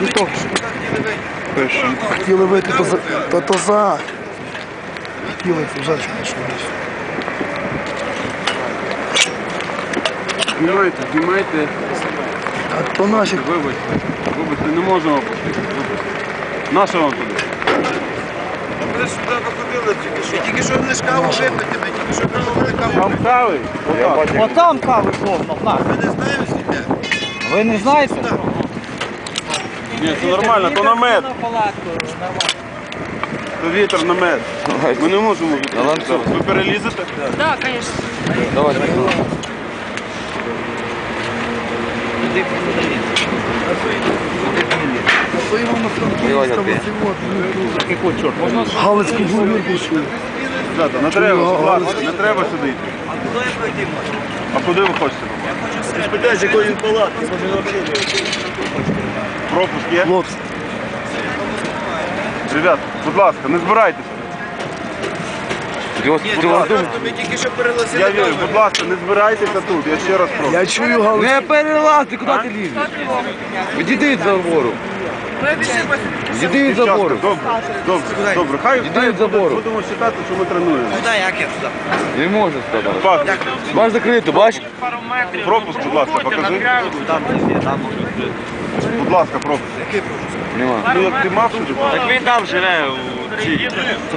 Хто? Хотіли вийти, то за. Хотіли, це вже що десь. Знімайте. А то наші. Вибачте, не можемо пустити. Нащо вам туди? Ми ж сюди виходили тільки що. Тільки що не каву випити, ми тільки що пробували каву. Там кави? Отам кави повно, на. Ми не знаємо звідти. Ви не знаєте? Ні, це нормально, то намет. То вітер намет. Ми не можемо відкрити зараз. Ви перелізете? Да, конечно. Давай. А то йому на фронті Галицьку говірку йшли. Ребята, не треба, будь ласка, не треба сюди йти. А куди ви хочете? Спитаєш, якої він палатки, може взагалі. Пропуск є? Хлопці, Ребят, будь ласка, не збирайтеся. Ми тільки що перелазили Я вірю, будь ласка, не збирайтеся тут, я ще раз прошу. я чую Галицьку. Не перелазь, ти куди ти лізеш? Відійди від забору. Відійди від Дівчатка, забору. добре, хай Відійди від забору. будемо вважати, що ми тренуємо. Куди, як я туди? Не можеш туди. Пас, Бач закрито, бач? пропуск, будь ласка, покажи. Будь ласка, пропуск. Нема. Ну як ти мав сюди? Так він там живе у цій.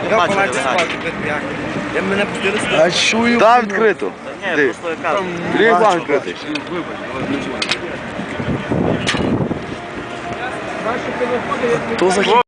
Я мене пустили сюди. Я чую. Там відкрито. Ти. План відкритий. То за